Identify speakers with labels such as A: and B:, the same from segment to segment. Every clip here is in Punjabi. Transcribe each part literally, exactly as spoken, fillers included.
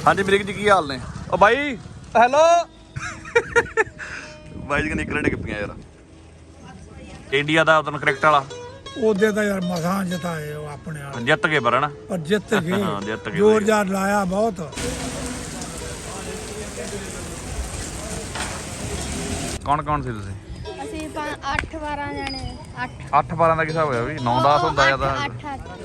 A: हाँ जी मरीक जी की हाल ने ओ भाई हेलो भाई जी निकल डिग पियां यार इंडिया दा उधर क्रिकेट वाला
B: ਉਹਦੇ ਤਾਂ ਯਾਰ ਮਸਾਂ ਜਿਤਾਏ ਉਹ ਆਪਣੇ ਵਾਲੇ
A: ਜਿੱਤ ਗਏ ਪਰ ਹਨਾ
B: ਪਰ ਜਿੱਤ
A: ਹਾਂ,
B: ਗਏ
A: ਜਿੱਤ ਗਏ
B: ਜ਼ੋਰ ਜ਼ਾਰ ਲਾਇਆ ਬਹੁਤ
A: ਕੌਣ ਕੌਣ ਸੀ ਤੁਸੀਂ
C: ਅਸੀਂ ਅੱਠ ਬਾਰਾਂ ਜਣੇ ਅੱਠ
A: ਅੱਠ ਬਾਰਾਂ ਦਾ ਕੀ ਹਿਸਾਬ ਹੋਇਆ ਵੀ ਨੌ ਦਸ ਹੁੰਦਾ ਜਿਆਦਾ
C: ਅੱਠ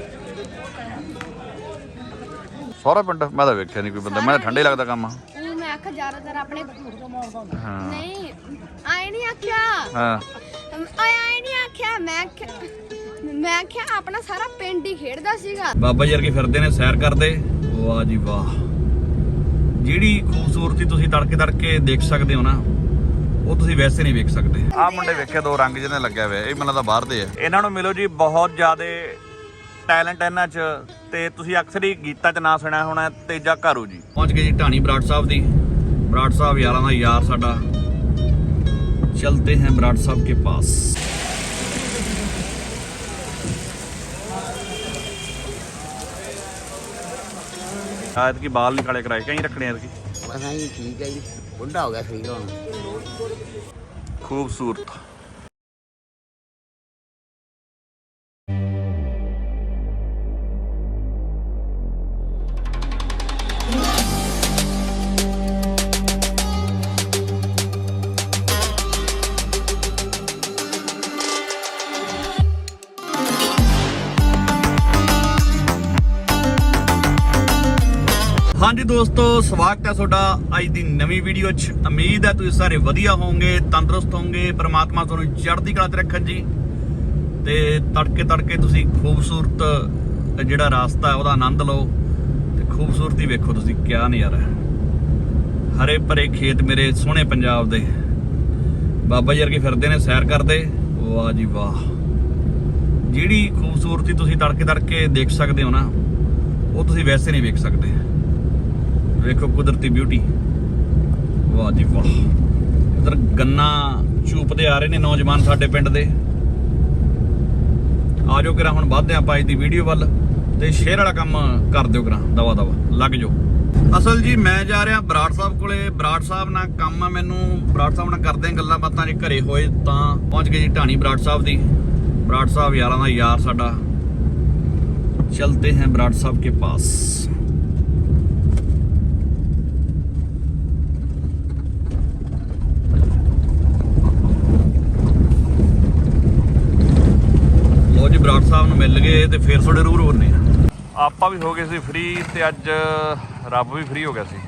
A: ਸਾਰਾ ਪਿੰਡ ਮੈਂ ਤਾਂ ਵੇਖਿਆ ਨਹੀਂ ਕੋਈ ਬੰਦਾ ਮੈਂ ਤਾਂ ਠੰਡੇ ਲੱਗਦਾ ਕੰਮ
C: ਉਹ ਮੈਂ ਆਖਿਆ ਜ਼ਿਆਦਾਤਰ ਆਪਣੇ
A: ਹਾਂ
C: ਨਹੀਂ ਆਏ ਨਹੀਂ ਆਖਿਆ
A: ਹਾਂ
C: ਆਏ ਆਏ ਨਹੀਂ ਆਖਿਆ ਮੈਂ ਆਖਿਆ- ਮੈਂ ਆਖਿਆ ਆਪਣਾ ਸਾਰਾ ਪਿੰਡ ਹੀ ਖੇਡਦਾ ਸੀਗਾ
A: ਬਾਬਾ ਜੀ ਵਰਗੇ ਫਿਰਦੇ ਨੇ ਸੈਰ ਕਰਦੇ ਵਾਹ ਜੀ ਵਾਹ ਜਿਹੜੀ ਖੂਬਸੂਰਤੀ ਤੁਸੀਂ ਤੜਕੇ ਤੜਕੇ ਦੇਖ ਸਕਦੇ ਹੋ ਨਾ ਉਹ ਤੁਸੀਂ ਵੈਸੇ ਨਹੀਂ ਵੇਖ ਸਕਦੇ ਆਹ ਮੁੰਡੇ ਵੇਖਿਆ ਦੋ ਰੰਗ ਜਿਹਨੇ ਲੱਗਿਆ ਹੋਇਆ ਇਹ ਮੈਨੂੰ ਤਾਂ ਬਾਹਰ ਦੇ ਆ ਇਹਨਾਂ ਨੂੰ ਮਿਲੋ ਜੀ ਬਹੁਤ ਜ਼ਿਆਦੇ ਟੈਲੈਂਟ ਇਹਨਾਂ 'ਚ ਤੇ ਤੁਸੀਂ ਅਕਸਰ ਹੀ ਗੀਤਾਂ 'ਚ ਨਾਂ ਸੁਣਿਆ ਹੋਣਾ ਤੇਜਾ ਘਾਰੂ ਜੀ ਪਹੁੰਚ ਗਏ ਜੀ ਢਾਣੀ ਬਰਾੜ ਸਾਹਿਬ ਦੀ ਬਰਾੜ ਸਾਹਿਬ ਯਾਰਾਂ ਦਾ ਯਾਰ ਸਾਡਾ ਚਲਤੇ हैं बराड़ साहब के पास शायद की बाल निकाले कराए कहीं रखने हैं
D: बस हाँ जी ठीक है जी बुढ़ा हो गया सही हो
A: खूबसूरत हाँ जी दोस्तों स्वागत है ਤੁਹਾਡਾ ਅੱਜ ਦੀ ਨਵੀਂ ਵੀਡੀਓ 'ਚ ਉਮੀਦ ਹੈ ਤੁਸੀਂ ਸਾਰੇ ਵਧੀਆ ਹੋਵੋਗੇ ਤੰਦਰੁਸਤ ਹੋਵੋਗੇ ਪ੍ਰਮਾਤਮਾ ਤੁਹਾਨੂੰ ਚੜ੍ਹਦੀ ਕਲਾ 'ਤੇ ਰੱਖਣ ਜੀ ਤੇ ਤੜਕੇ ਤੜਕੇ ਤੁਸੀਂ ਖੂਬਸੂਰਤ ਜਿਹੜਾ ਰਾਸਤਾ ਹੈ ਉਹਦਾ ਆਨੰਦ ਲਓ ਤੇ ਖੂਬਸੂਰਤੀ ਵੇਖੋ ਤੁਸੀਂ ਕਿਆ ਨਜ਼ਾਰਾ ਹੈ ਹਰੇ ਭਰੇ ਖੇਤ ਮੇਰੇ ਸੋਹਣੇ ਪੰਜਾਬ ਦੇ ਬਾਬਾ ਜੀ ਵਰਗੇ ਫਿਰਦੇ ਨੇ ਸੈਰ ਕਰਦੇ ਵਾਹ ਜੀ ਵਾਹ ਜਿਹੜੀ ਖੂਬਸੂਰਤੀ ਤੁਸੀਂ ਤੜਕੇ ਤੜਕੇ ਦੇਖ ਸਕਦੇ ਹੋ ਨਾ ਉਹ ਤੁਸੀਂ ਵੈਸੇ ਨਹੀਂ ਵੇਖ ਸਕਦੇ ਵੇਖੋ ਕੁਦਰਤੀ ਬਿਊਟੀ ਵਾਹ ਜੀ ਵਾਹ ਇਧਰ ਗੰਨਾ ਚੂਪਦੇ ਆ ਰਹੇ ਨੇ ਨੌਜਵਾਨ ਸਾਡੇ ਪਿੰਡ ਦੇ ਆ ਜਾਓ ਕਿਰਾ ਹੁਣ ਵੱਧਦੇ ਆਪਾਂ ਅੱਜ ਦੀ ਵੀਡੀਓ ਵੱਲ ਤੇ ਸ਼ੇਅਰ ਵਾਲਾ ਕੰਮ ਕਰ ਦਿਓ ਕਿਰਾ ਦਵਾ ਦਵਾ ਲੱਗ ਜਾਓ ਅਸਲ ਜੀ ਮੈਂ ਜਾ ਰਿਹਾ ਬਰਾੜ ਸਾਹਿਬ ਕੋਲੇ ਬਰਾੜ ਸਾਹਿਬ ਨਾਲ ਕੰਮ ਆ ਮੈਨੂੰ ਬਰਾੜ ਸਾਹਿਬ ਨਾਲ ਕਰਦੇ ਆਂ ਗੱਲਾਂ ਬਾਤਾਂ ਜੇ ਘਰੇ ਹੋਏ ਤਾਂ ਪਹੁੰਚ ਗਏ ਜੀ ਢਾਣੀ ਬਰਾੜ ਸਾਹਿਬ ਦੀ ਬਰਾੜ ਸਾਹਿਬ ਯਾਰਾਂ ਦਾ ਯਾਰ ਸਾਡਾ ਚਲਤੇ हैं बराड़ साहब के पास ਲੋ ਜੀ ਬਰਾੜ ਸਾਹਿਬ ਨੂੰ ਮਿਲ ਗਏ ਤੇ ਫਿਰ ਥੋੜੇ ਰੂਰ ਹੋਣੇ ਆ ਆਪਾਂ ਵੀ ਹੋ ਗਏ ਸੀ ਫ੍ਰੀ ਤੇ ਅੱਜ ਰੱਬ ਵੀ ਫ੍ਰੀ ਹੋ ਗਿਆ ਸੀ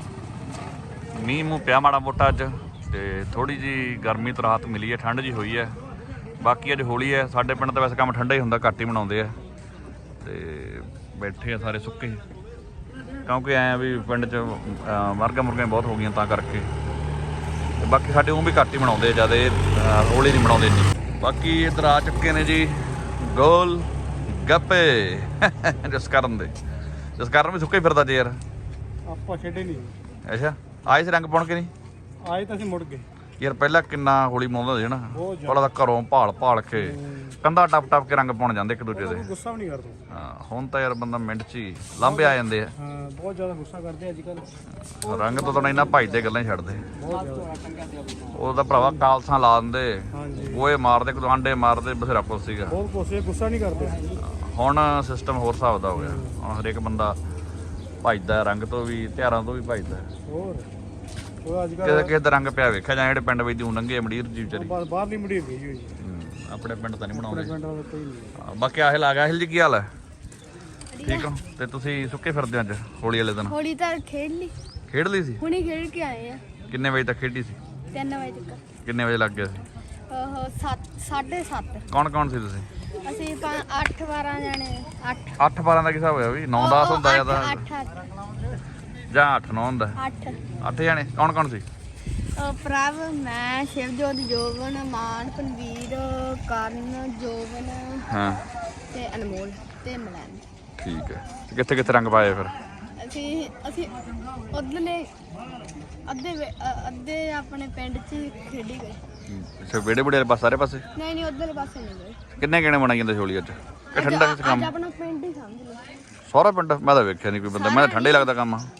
A: ਮੀਂਹ ਮੂੰਹ ਪਿਆ ਮਾੜਾ ਮੋਟਾ ਅੱਜ ਤੇ ਥੋੜੀ ਜੀ ਗਰਮੀ ਤੋਂ ਰਾਹਤ ਮਿਲੀ ਹੈ ਠੰਡ ਜੀ ਹੋਈ ਹੈ ਬਾਕੀ ਅੱਜ ਹੋਲੀ ਹੈ ਸਾਡੇ ਪਿੰਡ ਤਾਂ ਵੈਸੇ ਕੰਮ ਠੰਡਾ ਹੀ ਹੁੰਦਾ ਘੱਟ ਹੀ ਮਨਾਉਂਦੇ ਆ ਤੇ ਬੈਠੇ ਆ ਸਾਰੇ ਸੁੱਕੇ ਕਿਉਂਕਿ ਐ ਵੀ ਪਿੰਡ 'ਚ ਮਰਗਾ ਮੁਰਗੀਆਂ ਬਹੁਤ ਹੋ ਗਈਆਂ ਤਾਂ ਕਰਕੇ ਤੇ ਬਾਕੀ ਸਾਡੇ ਉਹ ਵੀ ਘੱਟ ਹੀ ਬਣਾਉਂਦੇ ਜਿਆਦਾ ਹੋਲੀ ਨਹੀਂ ਬਣਾਉਂਦੇ ਇੰਨੀ ਬਾਕੀ ਇੱਧਰ ਆ ਚੁੱਕੇ ਨੇ ਜੀ ਗੋਲ ਗੱਪੇ ਜਿਸ ਕਰਨ ਦੇ ਜਿਸ ਕਾਰਨ ਵੀ ਸੁੱਕੇ ਫਿਰਦਾ ਜੇ ਯਾਰ
B: ਆਪਾਂ ਛੱਡੇ ਨਹੀਂ
A: ਅੱਛਾ ਆਏ ਸੀ ਰੰਗ ਪਾਉਣ ਕੇ ਨਹੀਂ
B: ਆਏ ਤਾਂ ਅਸੀਂ ਮੁੜ ਗਏ
A: ਯਾਰ ਪਹਿਲਾਂ ਕਿੰਨਾ ਹੋਲੀ ਮਨਾਉਂਦਾ ਸੀ ਨਾ ਪਹਿਲਾਂ ਤਾਂ ਘਰੋਂ ਭਾਲ ਭਾਲ ਕੇ ਕੰਧਾ ਟੱਪ ਟੱਪ ਕੇ ਰੰਗ ਪਾਉਣ ਜਾਂਦੇ ਇੱਕ ਦੂਜੇ ਦੇ
B: ਗੁੱਸਾ ਵੀ ਨਹੀਂ ਕਰਦੇ
A: ਹਾਂ ਹੁਣ ਤਾਂ ਯਾਰ ਬੰਦਾ ਮਿੰਟ 'ਚ ਹੀ ਲਾਂਭੇ ਆ ਜਾਂਦੇ ਆ
B: ਹਾਂ ਬਹੁਤ ਜ਼ਿਆਦਾ ਗੁੱਸਾ ਕਰਦੇ ਅੱਜ ਕੱਲ
A: ਰੰਗ ਤੋਂ ਤਾਂ ਇੰਨਾ ਭੱਜਦੇ ਗੱਲਾਂ ਹੀ ਛੱਡਦੇ
B: ਬਹੁਤ ਜ਼ਿਆਦਾ
A: ਉਹ ਤਾਂ ਭਰਾਵਾ ਕਾਲਸਾਂ ਲਾ ਦਿੰਦੇ
B: ਹਾਂਜੀ
A: ਗੋਏ ਮਾਰਦੇ ਕੋਈ ਆਂਡੇ ਮਾਰਦੇ ਬਥੇਰਾ ਕੁਛ ਸੀਗਾ
B: ਬਹੁਤ ਕੋਸੇ ਗੁੱਸਾ ਨਹੀਂ ਕਰਦੇ
A: ਹੁਣ ਸਿਸਟਮ ਹੋਰ ਹਿਸਾਬ ਦਾ ਹੋ ਗਿਆ ਹੁਣ ਹਰੇਕ ਬੰਦਾ ਭੱਜਦਾ ਰੰਗ ਤੋਂ ਵੀ ਤਿਉਹਾਰਾਂ ਤੋਂ ਵੀ ਭੱਜਦਾ
B: ਹੋਰ ਉਹ ਅੱਜ
A: ਕਿਸੇ ਕਿਸੇ ਦਾ ਰੰਗ ਪਿਆ ਵੇਖਿਆ ਜਾਂ ਜਿਹੜੇ ਪਿੰਡ ਵਿੱਚ ਦੀ ਨੰਗੇ ਮੜੀਰ ਜੀ ਵਿਚਾਰੀ
B: ਕੱਲ ਬਾਹਰ ਨਹੀਂ ਮੁੜੀ ਗਈ ਹੋਈ
A: ਆਪਣੇ ਪਿੰਡ ਤਾਂ ਨਹੀਂ ਬਣਾਉਂਦੇ
B: ਪਿੰਡ ਵਾਲਾ ਕੋਈ ਨਹੀਂ
A: ਹਾਂ, ਬਾਕੀ ਆਹਿਲ ਆ ਗਿਆ ਆਹਿਲ ਜੀ ਕੀ ਹਾਲ ਹੈ ਠੀਕ ਹੋ ਤੇ ਤੁਸੀਂ ਸੁੱਕੇ ਫਿਰਦੇ ਹੋ ਅੱਜ ਹੋਲੀ ਵਾਲੇ ਦਿਨ
C: ਹੋਲੀ ਤਾਂ ਖੇਡ ਲਈ
A: ਖੇਡ ਲਈ ਸੀ
C: ਹੁਣੇ ਖੇਡ ਕੇ ਆਏ ਆ
A: ਕਿੰਨੇ ਵਜੇ ਤੱਕ ਖੇਡੀ ਸੀ
C: ਤਿੰਨ ਵਜੇ ਤੱਕ
A: ਕਿੰਨੇ ਵਜੇ ਲੱਗ ਗਿਆ ਸੀ
C: ਉਹ ਸੱਤ ਸਾਢੇ ਸੱਤ
A: ਕੌਣ ਕੌਣ ਸੀ ਤੁਸੀਂ
C: ਅਸੀਂ ਅੱਠ ਬਾਰਾਂ ਜਣੇ ਅੱਠ
A: ਅੱਠ ਬਾਰਾਂ ਦਾ ਕੀ ਹਿਸਾਬ ਹੋਇਆ ਵੀ ਨੌ ਦਸ ਹੁੰਦਾ ਜਿਆਦਾ
C: ਅੱਠ ਅੱਠ
A: ਜਾਂ ਅੱਠ ਨੌ ਹੁੰਦਾ
C: ਅੱਠ
A: ਅੱਠ ਜਾਣੇ ਕੌਣ ਕੌਣ ਸੀ
C: ਪ੍ਰਭ ਮੈਂ ਸ਼ਿਵਜੋਤ ਜੋਬਨ ਮਾਨ ਪਨਵੀਰ ਕਰਨ ਜੋਬਨ
A: ਹਾਂ
C: ਤੇ ਅਨਮੋਲ ਤੇ ਮਲੈਨ
A: ਠੀਕ ਹੈ ਤੇ ਕਿੱਥੇ ਕਿੱਥੇ ਰੰਗ ਪਾਏ ਫਿਰ
C: ਅਸੀਂ ਅਸੀਂ ਉਧਰਲੇ ਅੱਧੇ ਵੇ- ਅ- ਅੱਧੇ ਆਪਣੇ ਪਿੰਡ 'ਚ ਹੀ ਖੇਡੀ ਗਏ
A: ਅੱਛਾ ਵਿਹੜੇ ਬੁੜੇ ਵਾਲੇ ਪਾਸੇ ਸਾਰੇ ਪਾਸੇ
C: ਨਹੀਂ ਨਹੀਂ ਉਧਰਲੇ ਪਾਸੇ ਨਹੀਂ ਗਏ
A: ਕਿੰਨੇ ਕਿੰਨੇ ਬਣਾਈ ਜਾਂਦੇ ਹੋਲੀ ਅੱਜ ਕਿ ਠੰਡਾ ਕਿਸ ਕੰਮ
C: ਅੱਜ ਆਪਣਾ ਪਿੰਡ ਹੀ ਸਮਝ ਲਓ
A: ਸਾਰਾ ਪਿੰਡ ਮੈਂ ਤਾਂ ਵੇਖਿਆ ਨਹੀਂ ਕੋਈ ਬੰਦਾ ਮੈਂ ਤਾਂ ਠੰਡੇ ਲੱਗਦਾ ਕੰਮ
C: ਉਹ ਮੈਂ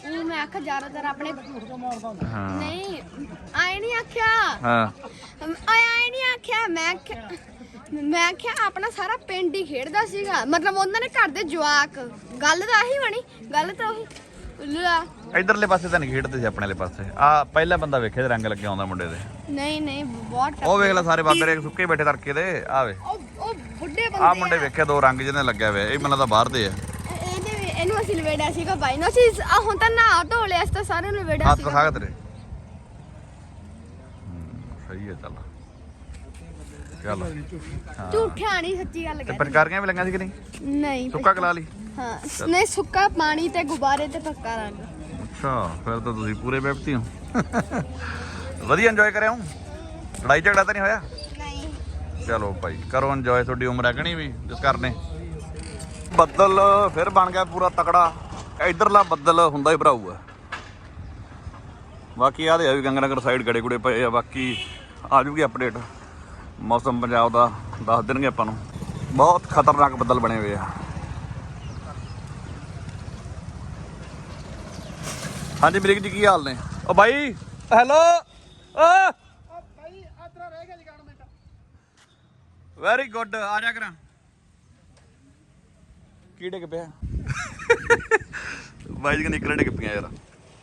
C: ਜਵਾਕ ਜ਼ਿਆਦਾਤਰ ਆਪਣੇ
A: ਹਾਂ
C: ਨਹੀਂ ਆਏ ਨਹੀਂ ਆਖਿਆ
A: ਹਾਂ
C: ਆਏ ਆਏ ਨਹੀਂ ਆਖਿਆ ਮੈਂ ਆਖਿਆ- ਮੈਂ ਆਖਿਆ ਆਪਣਾ ਸਾਰਾ ਪਿੰਡ ਹੀ ਖੇਡਦਾ ਸੀਗਾ ਮਤਲਬ ਉਹਨਾਂ ਨੇ ਘਰ ਦੇ ਜਵਾਕ ਗੱਲ ਤਾਂ ਆਹੀ ਬਣੀ ਗੱਲ ਤਾਂ ਉਹੀ ਲੈ,
A: ਇਧਰਲੇ ਪਾਸੇ ਤਾਂ ਨਹੀਂ ਖੇਡਦੇ ਸੀ ਆਪਣੇ ਵਾਲੇ ਪਾਸੇ ਆ ਪਹਿਲਾ ਬੰਦਾ ਵੇਖੇ ਤੇ ਰੰਗ ਲੱਗੇ ਆਉਂਦਾ ਮੁੰਡੇ ਦੇ
C: ਨਹੀਂ ਨਹੀਂ ਬਹੁਤ
A: ਉਹ ਵੇਖ ਲੈ ਸਾਰੇ ਬਾਬੇ ਰੇ ਸੁੱਕੇ ਬੈਠੇ ਤੜਕੇ ਦੇ ਆਵੇ
C: ਉਹ ਉਹ ਬੁੱਢੇ
A: ਆ
C: ਬੰਦੇ
A: ਮੁੰਡੇ ਵੇਖੇ ਦੋ ਰੰਗ ਜਿਹਨੇ ਲੱਗਿਆ ਹੋਇਆ ਇਹ ਮੈਨੂੰ ਤਾਂ ਬਾਹਰ ਦੇ ਆ
C: ਇਹ- ਇਹਦੇ ਵੀ- ਇਹਨੂੰ ਅਸੀਂ ਲਵੇੜਿਆ ਸੀਗਾ ਬਾਈ ਨੂੰ ਅਸੀਂ ਆ ਹੁਣ ਤਾਂ ਨਾ ਧੋ ਲਿਆ ਅਸੀਂ ਤਾਂ ਸਾਰਿਆਂ ਨੂੰ ਲਵੇੜਿਆ
A: ਹੱਥ
C: ਸੀਗਾ
A: ਦਿਖਾ ਤੇਰੇ ਸਹੀ ਹੈ ਚੱਲ ਚੱਲ ਹਾਂ
C: ਝੂਠਿਆ ਨਹੀਂ ਸੱਚੀ ਗੱਲ
A: ਤੇ
C: ਕਹਿ
A: ਪਚਕਾਰੀਆਂ ਵੀ ਲੰਗਾਂ ਸੀ ਕਿ ਨਹੀਂ
C: ਨਹੀਂ
A: ਸੁੱਕਾ ਕਲਾ ਲਈ
C: ਹਾਂ ਨਹੀਂ ਸੁੱਕਾ ਪਾਣੀ ਤੇ ਗੁਬਾਰੇ ਤੇ ਪੱਕਾ ਰੰਗ
A: ਅੱਛਾ ਫਿਰ ਤਾਂ ਤੁਸੀਂ ਪੂਰੇ ਬੈਠਤੀ ਹੋ ਵਧੀਆ ਇੰਜੋਏ ਕਰਿਆ ਹੂੰ ਲੜਾਈ ਝਗੜਾ ਤਾਂ ਨਹੀਂ ਹੋਇਆ
C: ਨਹੀਂ
A: ਚਲੋ ਭਾਈ ਕਰੋ ਇੰਜੋਏ ਤੁਹਾਡੀ ਉਮਰ ਹੈ ਕਿ ਨਹੀਂ ਵੀ ਜਿਸ ਕਰਨੇ ਬੱਦਲ ਫਿਰ ਬਣ ਗਿਆ ਪੂਰਾ ਤਕੜਾ ਇਧਰਲਾ ਬੱਦਲ ਹੁੰਦਾ ਹੀ ਭਰਾਊ ਆ ਬਾਕੀ ਆਹ ਦੇ ਆ ਵੀ ਗੰਗਨਗਰ ਸਾਈਡ ਗੜੇ ਗੁੜੇ ਪਏ ਆ ਬਾਕੀ ਆ ਜੂਗੀ ਅਪਡੇਟ ਮੌਸਮ ਪੰਜਾਬ ਦਾ ਦੱਸ ਦੇਣਗੇ ਆਪਾਂ ਨੂੰ ਬਹੁਤ ਖਤਰਨਾਕ ਬੱਦਲ ਬਣੇ ਹੋਏ ਆ ਹਾਂਜੀ ਮਰੀਕ ਜੀ ਕੀ ਹਾਲ ਨੇ ਓ ਬਾਈ ਹੈਲੋ ਓ
B: ਭਾਈ ਆਤਰਾ ਰਹਿ ਗਿਆ ਜਗਾਣ ਮਿੰਟ
A: ਵੈਰੀ ਗੁੱਡ ਆ ਜਾ ਕਰਾਂ ਕੀ ਡਿੱਗ ਪਿਆ ਬਾਈ ਜੀ ਨਿਕਲਣ ਡਿੱਗ ਪਿਆ ਯਾਰ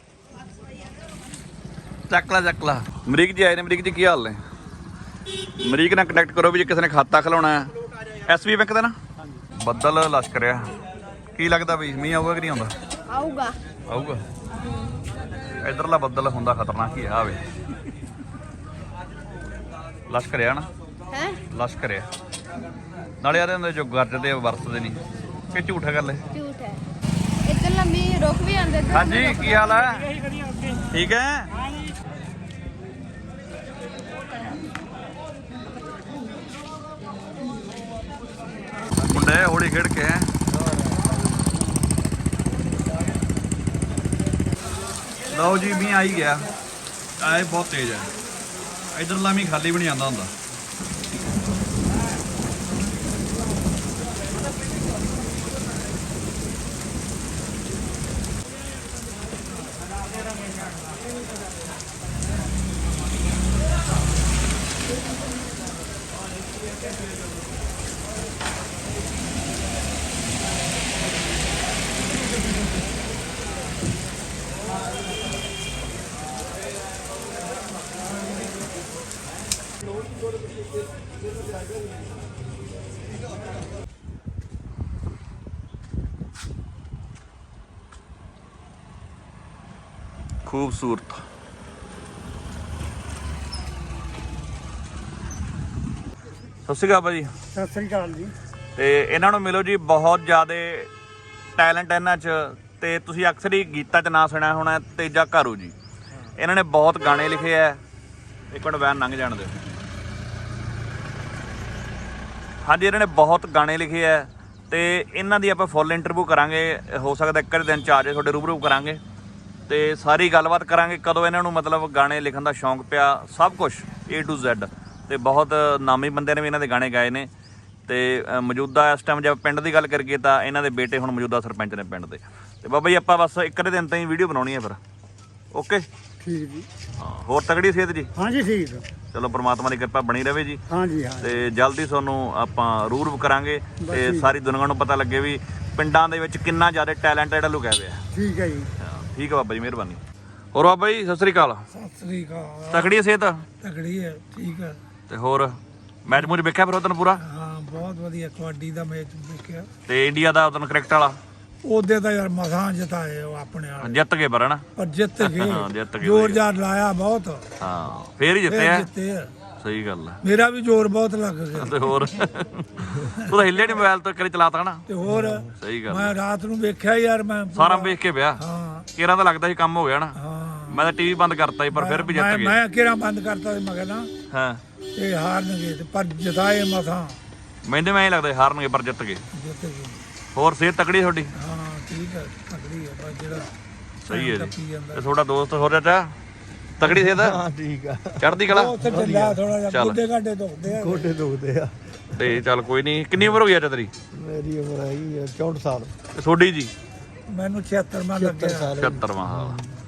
A: ਚੱਕ ਲਾ ਚੱਕ ਲਾ ਮਰੀਕ ਜੀ ਆਏ ਨੇ ਮਰੀਕ ਜੀ ਕੀ ਹਾਲ ਨੇ ਮਰੀਕ ਨਾਲ ਕੰਟੈਕਟ ਕਰੋ ਵੀ ਜੇ ਕਿਸੇ ਨੇ ਖਾਤਾ ਖਲਾਉਣਾ ਹੈ ਐਸਬੀ ਬੈਂਕ ਦਾ ਨਾ ਬੱਦਲ ਲਸ਼ਕਰਿਆ ਕੀ ਲੱਗਦਾ ਬਈ ਮੀਂਹ ਆਊਗਾ ਕਿ ਨਹੀਂ ਆਉਂਦਾ
C: ਆਊਗਾ
A: ਆਊਗਾ ਇਧਰਲਾ ਬੱਦਲ ਹੁੰਦਾ ਖਤਰਨਾਕ ਹੀ ਆ ਵੇ ਲਸ਼ਕਰਿਆ ਨਾ
C: ਹੈ
A: ਲਸ਼ਕਰਿਆ ਨਾਲੇ ਆਦੇ ਹੁੰਦੇ ਜੋ ਗਰਜਦੇ ਆ ਵਰਤਦੇ ਨਹੀਂ ਕਿ ਝੂਠ ਹੈ ਗੱਲ ਇਹ
C: ਝੂਠ ਹੈ ਇੱਧਰ ਲੰਮੀ ਰੁਕ ਵੀ ਆਂਦੇ ਇੱਧਰ
A: ਹਾਂਜੀ ਕੀ ਹਾਲ ਹੈ
B: ਇਹੀ ਖੜੀਆਂ ਉੱਤੇ
A: ਠੀਕ ਹੈ ਮੁੰਡੇ ਹੌਲੀ ਖੇਡ ਕੇ ਲਓ ਜੀ ਮੀਂਹ ਆਈ ਗਿਆ ਆਏ ਬਹੁਤ ਤੇਜ਼ ਹੈ ਇਧਰਲਾ ਮੀਂਹ ਖਾਲੀ ਵੀ ਨਹੀਂ ਆਉਂਦਾ ਹੁੰਦਾ खूबसूरत ਸਤਿ ਸ਼੍ਰੀ ਅਕਾਲ ਭਾਜੀ
B: ਸਤਿ ਸ੍ਰੀ ਅਕਾਲ ਜੀ
A: ਤੇ ਇਹਨਾਂ ਨੂੰ ਮਿਲੋ ਜੀ ਬਹੁਤ ਜ਼ਿਆਦਾ ਟੈਲੈਂਟ ਇਹਨਾਂ 'ਚ ਤੇ ਤੁਸੀਂ ਅਕਸਰ ਹੀ ਗੀਤਾਂ 'ਚ ਨਾਂ ਸੁਣਿਆ ਹੋਣਾ ਤੇਜਾ ਘਾਰੂ ਜੀ ਇਹਨਾਂ ਨੇ ਬਹੁਤ ਗਾਣੇ ਲਿਖੇ ਆ ਇੱਕ ਮਿੰਟ ਵੈਨ ਲੰਘ ਜਾਣ ਦਿਓ ਹਾਂਜੀ ਇਹਨਾਂ ਨੇ ਬਹੁਤ ਗਾਣੇ ਲਿਖੇ ਆ ਤੇ ਇਹਨਾਂ ਦੀ ਆਪਾਂ ਫੁੱਲ ਇੰਟਰਵਿਊ ਕਰਾਂਗੇ ਹੋ ਸਕਦਾ ਇੱਕ ਦਿਨ 'ਚ ਆ ਜਾਏ ਤੁਹਾਡੇ ਰੂਬਰੂ ਕਰਾਂਗੇ ਤੇ ਸਾਰੀ ਗੱਲਬਾਤ ਕਰਾਂਗੇ ਕਦੋਂ ਇਹਨਾਂ ਨੂੰ ਮਤਲਬ ਗਾਣੇ ਲਿਖਣ ਦਾ ਸ਼ੌਂਕ ਪਿਆ ਸਭ ਕੁਝ ਏ ਟੂ ਜ਼ੈਡ ਤੇ ਬਹੁਤ ਨਾਮੀ ਬੰਦੇ ਨੇ ਵੀ ਇਹਨਾਂ ਦੇ ਗਾਣੇ ਗਾਏ ਨੇ ਤੇ ਮੌਜੂਦਾ ਇਸ ਟਾਈਮ ਜੇ ਪਿੰਡ ਦੀ ਗੱਲ ਕਰੀਏ ਤਾਂ ਇਹਨਾਂ ਦੇ ਬੇਟੇ ਹੁਣ ਮੌਜੂਦਾ ਸਰਪੰਚ ਨੇ ਪਿੰਡ ਦੇ ਤੇ ਬਾਬਾ ਜੀ ਆਪਾਂ ਬਸ ਇੱਕ ਦਿਨ ਤਾਂ ਹੀ ਵੀਡੀਓ ਬਣਾਉਣੀ ਹੈ ਫਿਰ ਓਕੇ
B: ਠੀਕ ਜੀ
A: ਹਾਂ ਹੋਰ ਤਗੜੀ ਸਿਹਤ ਜੀ
B: ਹਾਂਜੀ ਠੀਕ
A: ਚਲੋ ਪ੍ਰਮਾਤਮਾ ਦੀ ਕਿਰਪਾ ਬਣੀ ਰਵੇ ਜੀ
B: ਹਾਂਜੀ ਹਾਂ
A: ਤੇ ਜਲਦੀ ਤੁਹਾਨੂੰ ਆਪਾਂ ਰੂਬਰੂ ਕਰਾਂਗੇ ਤੇ ਸਾਰੀ ਦੁਨੀਆ ਨੂੰ ਪਤਾ ਲੱਗੇ ਵੀ ਪਿੰਡਾਂ ਦੇ ਵਿੱਚ ਕਿੰਨਾ ਜ਼ਿਆਦਾ ਟੈਲੈਂਟ ਜਿਹੜਾ ਲੁਕਿਆ ਹੋਇਆ
B: ਠੀਕ ਹੈ ਜੀ
A: ਠੀਕ ਹੈ ਬਾਬਾ ਜੀ ਮਿਹਰਬਾਨੀ ਹੋਰ ਬਾਬਾ ਜੀ ਸਤਿ ਸ੍ਰੀ ਅਕਾਲ
B: ਸਤਿ ਸ੍ਰੀ ਅਕਾਲ
A: ਤਕੜੀ ਸਿਹਤ
B: ਤਗੜੀ ਹੈ ਠੀਕ ਹੈ
A: ਤੇ ਹੋਰ ਮੈਚ ਮੂਚ ਵੇਖਿਆ ਫਿਰ ਉਦੋਂ ਪੂਰਾ
B: ਹਾਂ ਬਹੁਤ ਵਧੀਆ ਕਬੱਡੀ ਦਾ ਮੈਚ ਦੇਖਿਆ
A: ਤੇ ਇੰਡੀਆ ਦਾ ਉਦੋਂ ਕ੍ਰਿਕਟ ਵਾਲਾ
B: ਉਹਦੇ ਤਾਂ ਯਾਰ ਮਸਾਂ ਜਿਤਾਏ ਉਹ ਆਪਣੇ ਵਾਲੇ
A: ਜਿੱਤ ਗਏ ਪਰ ਹਨਾ
B: ਪਰ ਜਿੱਤ
A: ਹਾਂ,
B: ਗਏ
A: ਜਿੱਤ ਗਏ
B: ਜ਼ੋਰ ਜਾਰ ਲਾਇਆ ਬਹੁਤ
A: ਹਾਂ ਫੇਰ ਹੀ ਜਿੱਤੇ
B: ਫਿਰ
A: ਆ
B: ਜਿੱਤੇ ਆ।
A: ਸਹੀ ਗੱਲ ਹੈ
B: ਮੇਰਾ ਵੀ ਜ਼ੋਰ ਬਹੁਤ ਲੱਗ ਗਿਆ
A: ਤੇ ਹੋਰ ਤੂੰ ਤਾਂ ਹਿੱਲੇ ਨਹੀਂ ਮੋਬਾਈਲ ਤੋਂ ਕਰੀ ਚਲਾਤਾ ਹਨਾ
B: ਤੇ ਹੋਰ
A: ਸਹੀ ਗੱਲ
B: ਮੈਂ ਰਾਤ ਨੂੰ ਵੇਖਿਆ ਯਾਰ ਮੈਂ
A: ਸਾਰਾ ਵੇਖ ਕੇ ਪਿਆ
B: ਹਾਂ
A: ਕਿਹੜਾ ਤਾਂ ਲੱਗਦਾ ਸੀ ਕੰਮ ਹੋ ਗਿਆ ਨਾ
B: ਹਾਂ
A: ਮੈਂ ਤਾਂ ਟੀਵੀ ਬੰਦ ਕਰਤਾ ਸੀ ਪਰ ਫਿਰ ਵੀ ਜਿੱਤ
B: ਮੈਂ
A: ਗਏ
B: ਮੈਂ ਕਿਹੜਾ ਬੰਦ ਕਰਤਾ ਸੀ ਮੈਂ ਕਹਿੰਦਾ
A: ਹਾਂ
B: ਇਹ ਹਾਰਨਗੇ ਤੇ ਪਰ ਜਿਤਾਏ ਮਸਾਂ
A: ਮੈਨੂੰ ਮੈਂ ਹੀ ਲੱਗਦਾ ਸੀ ਹਾਰਨਗੇ ਪਰ ਜਿੱਤ ਗਏ
B: ਜਿੱਤ ਗਏ
A: ਹੋਰ ਸਿਹਤ ਤਕੜੀ ਤੁਹਾਡੀ
B: ਹਾਂ ਠੀਕ ਹੈ ਤਕੜੀ ਹੈ ਬਸ ਜਿਹੜਾ
A: ਸਹੀ ਹੈ
B: ਟੱਪੀ
A: ਜੀ
B: ਜਾਂਦਾ
A: ਤੇ ਤੁਹਾਡਾ ਦੋਸਤ ਹੋ ਰਿਹਾ ਤਕੜੀ ਸਿਹਤ
B: ਹਾਂ ਠੀਕ ਆ
A: ਚੜ੍ਹਦੀ ਕਲਾ
B: ਉੱਥੇ ਚੱਲਿਆ ਥੋੜਾ ਜਿਹਾ
A: ਚੱਲ।
B: ਗੋਡੇ ਘਾਡੇ ਦੁਖਦੇ ਆ
E: ਗੋਡੇ ਦੁਖਦੇ ਆ
A: ਤੇ ਚੱਲ ਕੋਈ ਨਹੀਂ ਕਿੰਨੀ ਉਮਰ ਹੋ ਗਈ ਅੱਜ ਤੇਰੀ
E: ਮੇਰੀ ਉਮਰ ਹੈਗੀ ਆ ਚੌਂਹਠ ਸਾਲ
A: ਤੇ ਤੁਹਾਡੀ ਜੀ
B: ਮੈਨੂੰ ਛਿਅੱਤਰ ਮਾਂ ਲੱਗਿਆ
E: ਸਾਲ
A: ਛਿਅੱਤਰਵਾਂ ਸਾਲ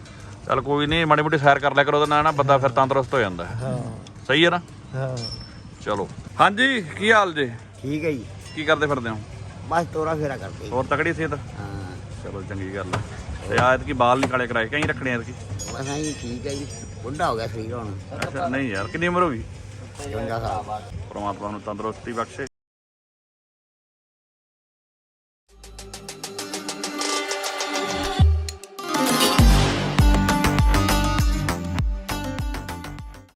A: ਚੱਲ ਕੋਈ ਨਹੀਂ, ਮਾੜੀ ਮੋਟੀ ਸੈਰ ਕਰ ਲਿਆ ਕਰੋ, ਉਹਦੇ ਨਾਲ ਨਾ ਬੰਦਾ ਫਿਰ ਤੰਦਰੁਸਤ ਹੋ ਜਾਂਦਾ ਹੈ।
B: ਹਾਂ
A: ਸਹੀ ਹੈ ਨਾ?
B: ਹਾਂ
A: ਚਲੋ ਹਾਂਜੀ, ਕੀ ਹਾਲ ਜੇ?
D: ਠੀਕ ਹੈ ਜੀ,
A: ਕੀ ਕਰਦੇ ਫਿਰਦੇ ਹੋ?
D: ਬਸ ਤੋਰਾ ਫੇਰਾ ਕਰਦੇ
A: ਹੋਰ ਤਕੜੀ ਸਿਹਤ?
D: ਹਾਂ
A: ਚਲੋ ਚੰਗੀ ਗੱਲ ਹੈ। ਤੇ ਆ ਐਤਕੀ ਬਾਲ ਨਹੀਂ ਕਾਲੇ ਕਰਾਏ, ਕਹੀਂ ਰੱਖਣੇ ਐਤਕੀ?
D: ਬਸ ਐਂ ਠੀਕ ਹੈ ਜੀ, ਬੁੱਢਾ ਹੋ ਗਿਆ ਸਰੀਰ ਹੁਣ।
A: ਅੱਛਾ ਨਹੀਂ ਯਾਰ, ਕਿੰਨੀ ਉਮਰ ਹੋ ਗਈ?
D: ਪਚਵੰਜਾ ਸਾਲ।
A: ਪਰਮਾਤਮਾ ਨੂੰ ਤੰਦਰੁਸਤੀ ਬਖਸ਼ੇ।